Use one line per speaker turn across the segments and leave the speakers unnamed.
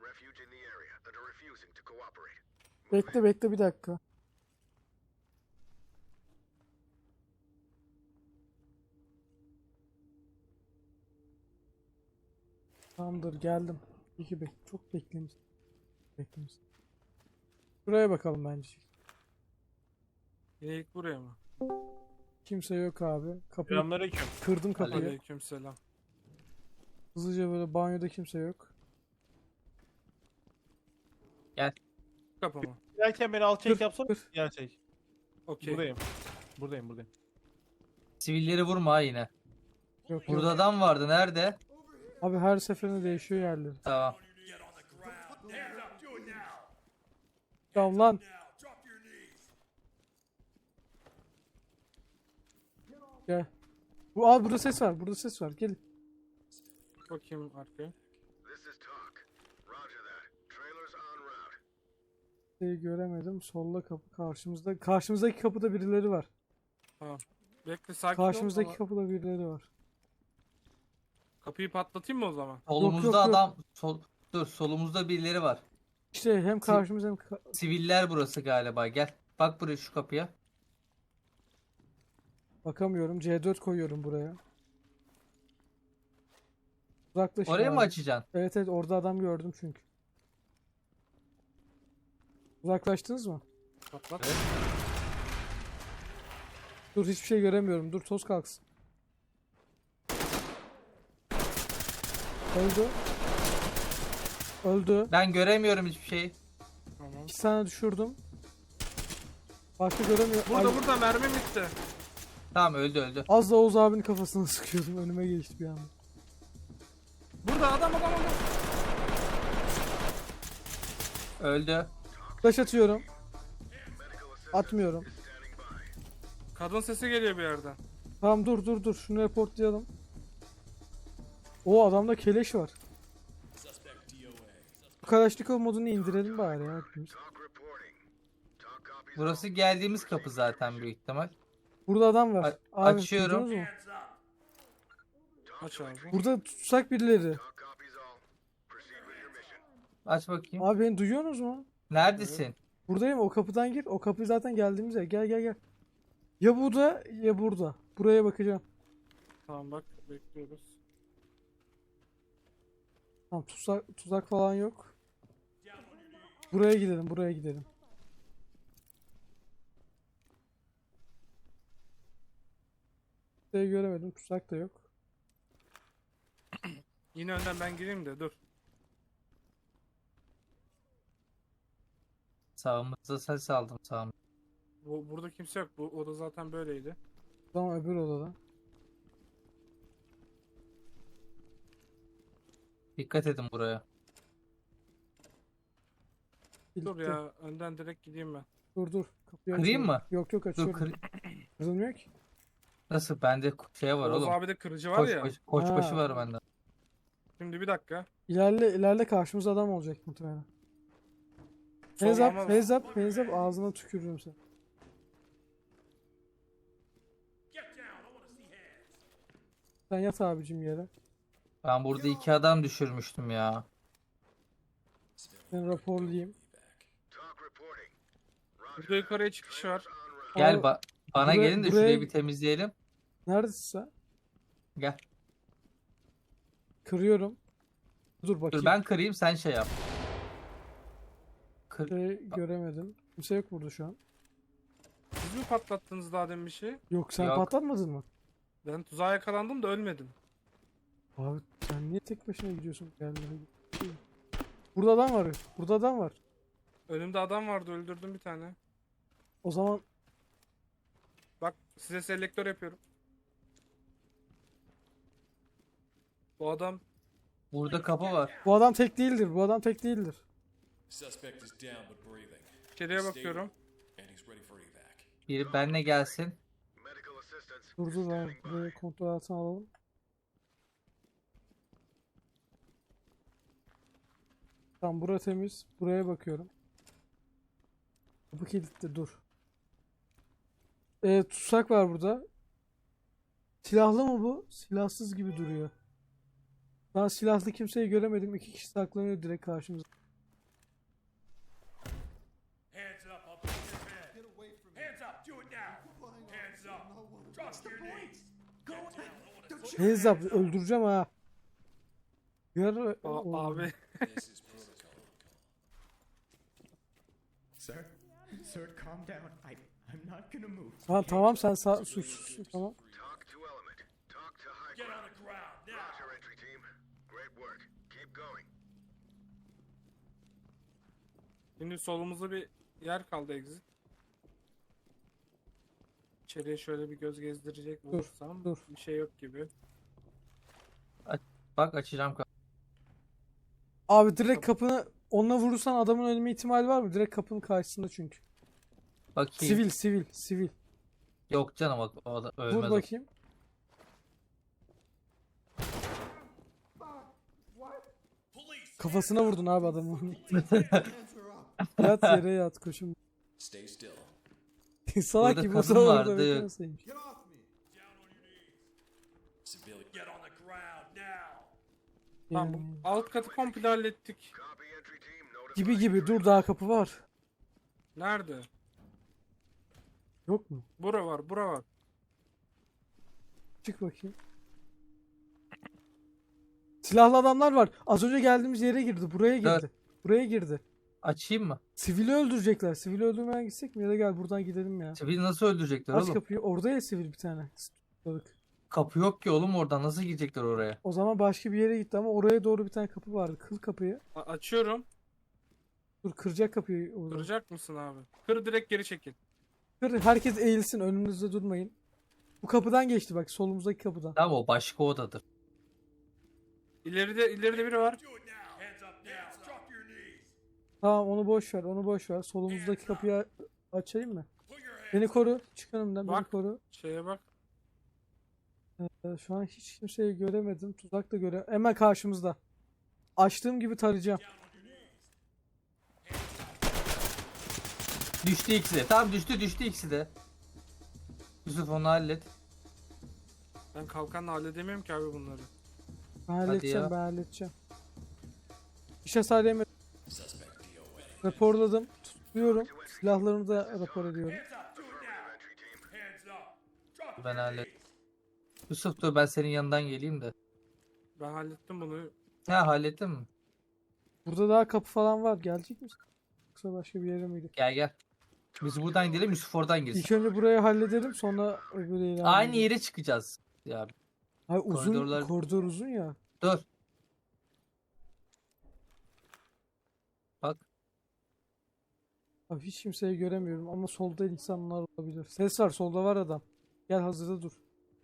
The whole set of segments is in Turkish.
Bekle bir dakika. Tamamdır geldim. İyi çok beklemiş. Buraya bakalım bence.
Yine ilk buraya mı?
Kimse yok abi. Kapıyı
Selamünaleyküm.
kırdım kapıyı.
Aleykümselam.
Hızlıca böyle banyoda kimse yok.
Gel.
Kapı mı?
Giderken beni alt çek
Dur,
yapsana.
dur.
Yer çek.
Okey.
Buradayım.
Sivilleri vurma ha yine.
Yok
Burada
yok.
adam vardı. Nerede?
Abi her seferinde değişiyor yerleri.
Tamam.
Tamam lan. Gel. Burada ses var. Burada ses var. Gelin.
Bakayım arkaya.
Göremedim. Solda kapı karşımızda. Karşımızdaki kapıda birileri var.
Tamam. Bekle sakin ol.
Karşımızdaki
ama
kapıda birileri var.
Kapıyı patlatayım mı o zaman?
Solumuzda
yok.
adam. Dur, solumuzda birileri var.
İşte hem karşımız hem
Siviller burası galiba. Gel. Bak buraya, şu kapıya.
bakamıyorum. C4 koyuyorum buraya. Uzaklaşın
Oraya mı
abi.
açacaksın?
Evet orada adam gördüm çünkü. Uzaklaştınız mı?
Patlat.
Evet.
Dur hiçbir şey göremiyorum. Dur toz kalksın. Öldü.
Ben göremiyorum hiçbir şey.
Tamam.
2 tane düşürdüm. Başka göremiyorum.
Burada mermi bitti.
Tamam, öldü.
Az da Oğuz abinin kafasına sıkıyordum. Önüme geçti bir anda.
Burada adam.
Öldü.
Flash atıyorum. Atmıyorum.
Kadın sesi geliyor bir yerden.
Tamam dur. Şunu reportlayalım. O adamda keleş var. Kalaşnikov modunu indirelim bari ya hepimiz.
Burası geldiğimiz kapı zaten büyük ihtimal.
Burada adam var. Abi,
Açıyorum.
duydunuz mu?
Aç abi.
Burada tutsak birileri.
Aç bakayım.
Abi beni duyuyorsunuz mu?
Neredesin?
Buradayım, o kapıdan gir. O kapı zaten geldiğimiz yer. Gel. Ya burada ya burada. Buraya bakacağım.
Tamam bak bekliyoruz.
Tamam tuzak falan yok. Buraya gidelim. Şey göremedim. Tuzak da yok.
Yine önden ben gireyim de dur.
Sağımızda ses aldım, sağımda.
Burada kimse yok. Bu oda zaten böyleydi.
Tamam öbür odada.
Dikkat edin buraya.
Dur
Kilitli.
ya önden direkt gideyim ben.
Dur. Kapıyı
Kırayım
açıyorum.
mı?
Yok
Dur,
açıyorum. Kırılmıyor ki.
Nasıl? Bende şey var
Oğuz
oğlum.
abi de kırıcı var ya.
Koçbaşı
Ha.
var bende.
Şimdi bir dakika.
İlerle karşımıza adam olacak muhtemelen. Hands up ağzına tükürürüm sen. Sen yat abicim yere.
Ben burada 2 adam düşürmüştüm ya.
Ben raporlayayım.
Burada yukarıya çıkış var.
Gel
Abi,
bana
buraya-
gelin de
buraya-
şurayı bir temizleyelim.
Neredesin sen?
Gel.
Kırıyorum. Dur bakayım.
Dur ben kırayım, sen şey yap.
Göremedim. Kimse yok burada şu an.
Siz mi patlattınız daha demin bir şey?
Yok sen
Yok.
patlatmadın mı?
Ben tuzağa yakalandım da ölmedim.
Abi sen niye tek başına gidiyorsun? Burada adam var.
Önümde adam vardı öldürdüm bir tane.
O zaman
Bak size selektör yapıyorum. Bu adam
Burada kapı var.
bu adam tek değildir.
Suspect is down but breathing.
içeriye bakıyorum.
And he's ready for evac.
Biri benimle gelsin.
Dur ben burayı kontrol altına alalım. Tamam bura temiz. Buraya bakıyorum. Kapı kilitli dur. Tutsak var burada. Silahlı mı bu? Silahsız gibi duruyor. Ben silahlı kimseyi göremedim. 2 kişi saklanıyor direkt karşımızda.
Hands up, I'll put your head. Get away from me. Hands up, do it now. Hands up. Drop to your knees.
Hands up, öldüreceğim ha.
Abi.
This is protocol.
Sir, sir, calm down. I'm not gonna move.
Tamam tamam sen suçsuzsun tamam.
Talk to Element. Talk to High
Get
Ground.
on the ground now.
Roger, entry team. Great work. Keep going.
Şimdi solumuzda bir yer kaldı exit. İçeriye şöyle bir göz gezdirecek olursam
dur.
bir şey yok gibi.
Bak açacağım kapıyı.
Abi direkt kapını onunla vurursan adamın ölme ihtimali var mı? Direkt kapının karşısında çünkü.
Bakayım.
Sivil.
Yok canım o da ölmez.
Vur
o.
bakayım. Kafasına vurdun abi adamın. Yat yere yat koşun.
Stay still.
Salak
Burada
gibi
kadın
o orada
vardı.
beklemeseymiş.
Civilian. Get on the ground now.
Tamam bu alt katı komple hallettik.
Copy, entry team. Notify.
Gibi dur daha kapı var.
Nerede?
Yok mu?
Bura var.
Çık bakayım. Silahlı adamlar var. Az önce geldiğimiz yere girdi. Buraya girdi.
Evet.
Buraya girdi.
Açayım mı?
Sivili öldürecekler. Sivili öldürmeden gitsek mi? Ya da gel buradan gidelim ya.
Sivil nasıl öldürecekler
Aç
oğlum?
kapıyı. Orada ya sivil bir tane. Balık.
Kapı yok ki oğlum oradan nasıl girecekler oraya?
O zaman başka bir yere gitti ama oraya doğru bir tane kapı vardı. Kır kapıyı.
Açıyorum.
Dur kıracak kapıyı. Orada.
Kıracak mısın abi? Kır direkt geri çekil.
Kır. Herkes eğilsin. Önünüzde durmayın. Bu kapıdan geçti bak. Solumuzdaki kapıdan.
Tamam o başka odadır.
İleride biri var.
Do it now. Hands up now. Drop your knees.
Tamam onu boş ver. Onu boş ver. Solumuzdaki kapıyı açayım mı?
Put your hands
Beni koru. Çık önümden. Beni
Bak.
koru.
Şeye bak.
Şu an hiç kimseyi göremedim. Tuzak da hemen karşımızda. Açtığım gibi tarayacağım.
Düştü ikisi de. Tamam düştü ikisi de. Yusuf onu hallet.
Ben kalkanla halledemiyorum ki abi bunları.
Ben halledeceğim.
ya.
Ben halledeceğim. İş hasar yemedim.
Suspect DOA.
Raporladım. Tutuyorum. Silahlarımı da rapor ediyorum.
Hands up. Do it now. Hands up. Drop
Ben
your
hallet.
knees.
Yusuf dur ben senin yanından geleyim de.
Ben hallettim bunu.
Ha hallettin mi?
Burada daha kapı falan var. Gelecek misin? Yoksa başka bir yere mi gidelim?
Gel. Biz buradan gidelim Yusuf oradan girsin.
İlk önce burayı halledelim. Sonra öbür ilerleyelim.
Aynı yere çıkacağız. Ya
Hayır, uzun.
koridorlar-
Koridor uzun ya.
dur. Bak
Abi hiç kimseyi göremiyorum ama solda insanlar olabilir. Ses var. Solda var adam. Gel hazırda dur.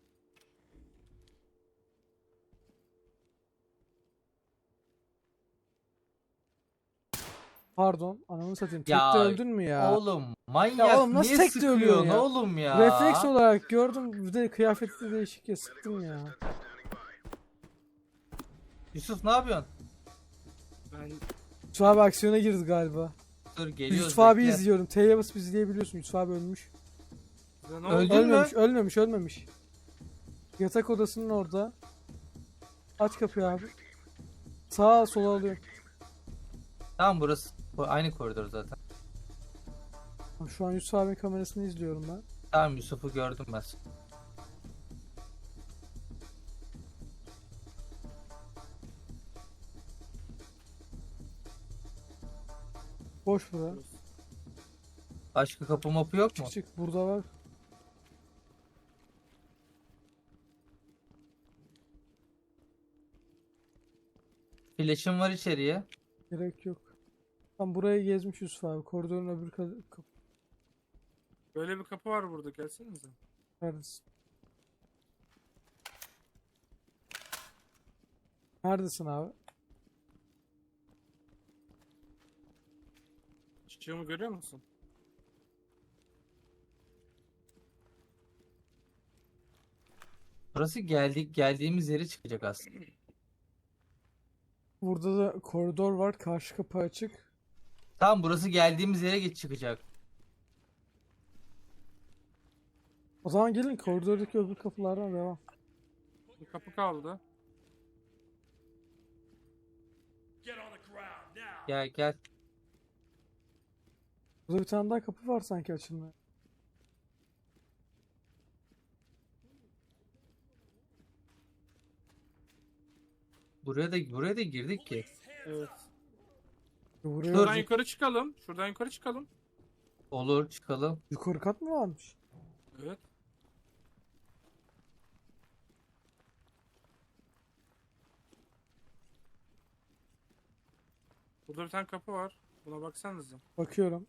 Pardon. Ananı satayım. Tekte
Ya,
öldün mü ya?
oğlum manyak
Ya oğlum nasıl
niye
tek de ölüyorsun
sıkıyorsun
ya?
oğlum ya?
Refleks olarak gördüm. Bir de kıyafeti de değişik ya. Sıktım ya.
Yusuf ne yapıyorsun?
Ben
Yusuf abi aksiyona girdi galiba.
Dur geliyoruz.
Yusuf abi
bekle.
izliyorum. T'ye basıp izleyebiliyorsun. Yusuf abi ölmüş.
size ne
Öldü.
oldu?
mü?
Ölmemiş. Yatak odasının orada. Aç kapıyı abi. Sağa sola alıyorum.
Tamam burası. Bu aynı koridor zaten.
Şu an Yusuf abinin kamerasını izliyorum ben.
Tamam Yusuf'u gördüm ben.
Boş bura.
Başka kapı mapı yok mu?
Çık burada var.
Flash'ım var içeriye.
Gerek yok. Tam burayı gezmiş Yusuf abi. Koridorun öbür kapı
Böyle bir kapı var burada. Gelsenize.
neredesin? Neredesin abi?
Çiçeğimi görüyor musun?
Burası geldiğimiz yere çıkacak aslında.
Burada da koridor var. Karşı kapı açık.
Tamam burası geldiğimiz yere çıkacak.
O zaman gelin koridordaki öbür kapılardan devam.
Bir kapı kaldı.
Gel gel.
Burada bir tane daha kapı var sanki açılmaya.
Buraya da girdik ki.
Evet.
Buraya
Şuradan yukarı çıkalım. Şuradan yukarı çıkalım.
Olur çıkalım.
yukarı kat mı varmış?
Evet. Burada bir tane kapı var. Buna baksanıza.
Bakıyorum.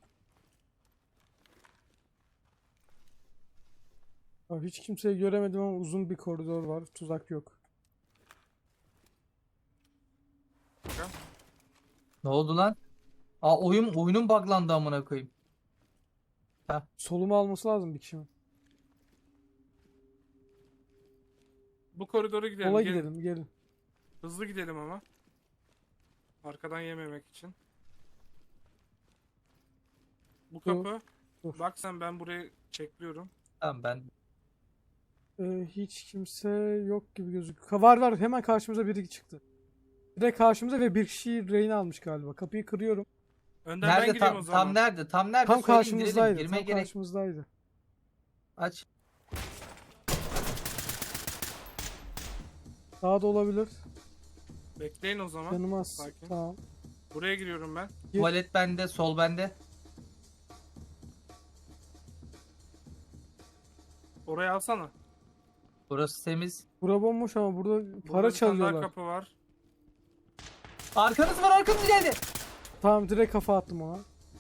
Abi hiç kimseyi göremedim ama uzun bir koridor var. Tuzak yok.
Ne oldu lan? Aa oyunun buglandı amına koyayım.
Solumu alması lazım bir kişinin.
Bu koridora gidelim.
Sola
gelin.
gidelim, gelin.
Hızlı gidelim ama. Arkadan yememek için. Bu
Dur,
kapı.
dur.
Bak sen, ben burayı çekliyorum.
Tamam ben
Hiç kimse yok gibi gözüküyor. Var var, hemen karşımıza biri çıktı. Direkt karşımıza ve bir kişiyi rehin almış galiba. Kapıyı kırıyorum.
Önden ben
nerede
gireyim o zaman.
tam nerede? Tam nerede?
Tam
Söyleyin,
karşımızdaydı.
girelim.
Tam
Girmeye gerek.
karşımızdaydı.
Aç.
Daha da olabilir.
Bekleyin o zaman.
Yanıma az.
Sakin.
Tamam.
Buraya giriyorum ben.
Gir.
Tuvalet bende, sol bende.
Oraya alsana.
Burası temiz.
Bura bomboş ama burada
Burada
para
bir tane daha
çalıyorlar.
kapı var.
Arkanız var, arkamız geldi.
Tamam, direkt kafa attım ona.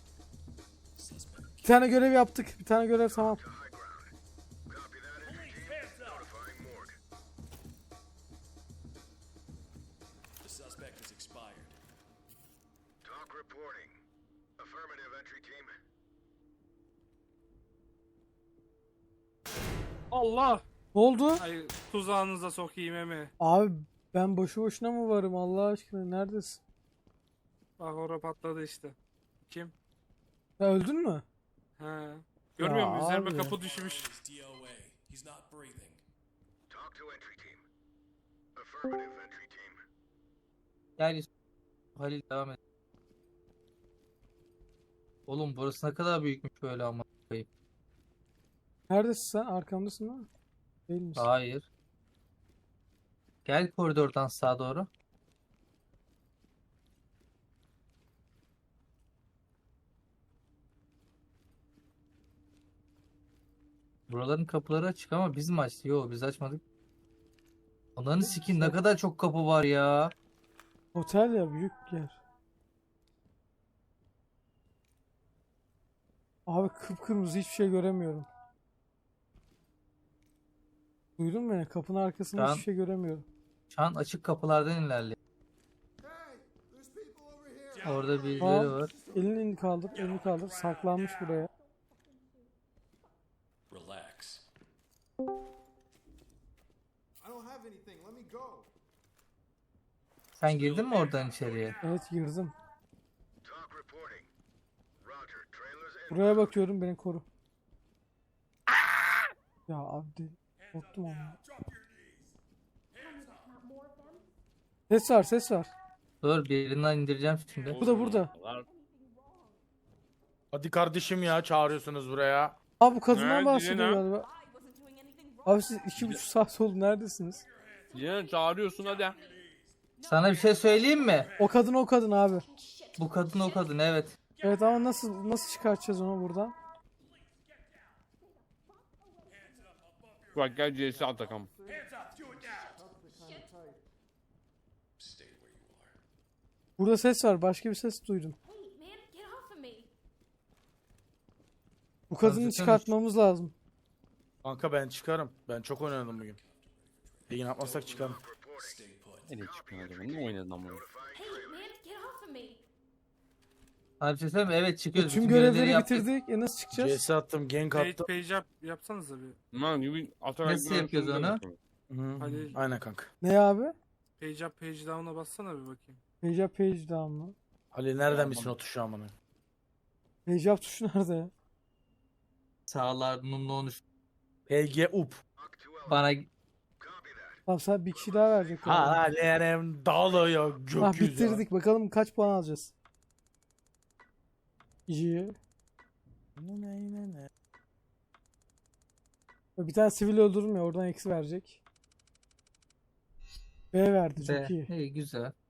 Bir tane görev yaptık. Bir tane görev tamam.
To high ground. Copy that, entry team.
Hands up!
Notifying morgue.
The suspect is expired.
Talk reporting. Affirmative, entry team.
Allah!
Ne oldu?
Ay, tuzağınıza sokayım emi.
Abi ben boşu boşuna mı varım Allah aşkına? Neredesin?
Bak orada patladı işte. Kim?
Ya öldün mü?
He. Görmüyor musun? Üzerime
abi.
kapı düşmüş.
He's DOA. He's not breathing.
Talk to entry team. Affirmative, entry team.
Gel Halil devam et. Oğlum burası ne kadar büyükmüş böyle ama.
Neredesin sen? Arkamdasın değil mi? Değil misin?
Hayır. Gel koridordan sağa doğru. Buraların kapıları açık ama biz mi açtık? Yok biz açmadık. Onların sikin ne kadar çok kapı var ya.
Otel ya, büyük yer. Abi kıpkırmızı, hiçbir şey göremiyorum. Duydun mu beni? Kapının arkasında
Tamam.
hiçbir şey göremiyorum.
Şu an açık kapılardan ilerliyor. Orada birileri
Tamam.
var.
Elini kaldır, elini kaldır. Saklanmış buraya.
Relax.
I don't have anything. Let me go.
Sen girdin mi oradan içeriye?
Evet, girdim.
Talk reporting. Roger. Trailers in.
Buraya bakıyorum, beni koru. Ya abi korktum ama. Ses var, ses var.
Dur birinden indireceğim şimdi.
Bu da burada.
Hadi kardeşim ya, çağırıyorsunuz buraya.
Abi bu kadından
Nerede
bahsediyor
yine?
galiba. Abi siz 2,5 saat oldu, neredesiniz?
Yine çağırıyorsun hadi.
Sana bir şey söyleyeyim mi?
O kadın abi.
Bu kadın o kadın evet.
Evet ama nasıl çıkartacağız onu buradan?
Bak gel CS Atakan.
Hands up! Do it now! Stay where you are.
Burada ses var, başka bir ses duydum.
Wait, man, get off of me.
Bu kadını
Hazırsanız-
çıkartmamız lazım.
Kanka ben çıkarım. Ben çok oynadım bugün. İyi yapmasak çıkarım.
Stay put.
Nereye çıkmadın? Ne oynadın ama?
Hey, man, get off of me.
Sana bir şey söyleyeyim mi? Evet çıkıyoruz.
Tüm
Bütün görevleri
görevleri
yaptık.
bitirdik. Nasıl çıkacağız?
CS attım, gank attım.
Page up yapsanıza bir.
Lan gibi Atakan.
Nasıl yapıyoruz onu?
Hı,
Hadi.
aynen kanka.
Ne abi?
Page up, page down'a bassana bir bakayım.
Page up, page down mı?
Halil nereden bilsin o tuşu amına?
Page up tuşu nerede ya?
Sağlarının onu
Talk
PG up.
to element.
bana
Copy that.
Tamam, sen bir kişi daha verecek. galiba.
Halerim dağılıyor
Ah,
gökyüzü.
bitirdik. Bakalım kaç puan alacağız. İyi. Bir tane sivil öldürdüm ya oradan eksi verecek. B verdi çok
Be.
iyi.
İyi güzel.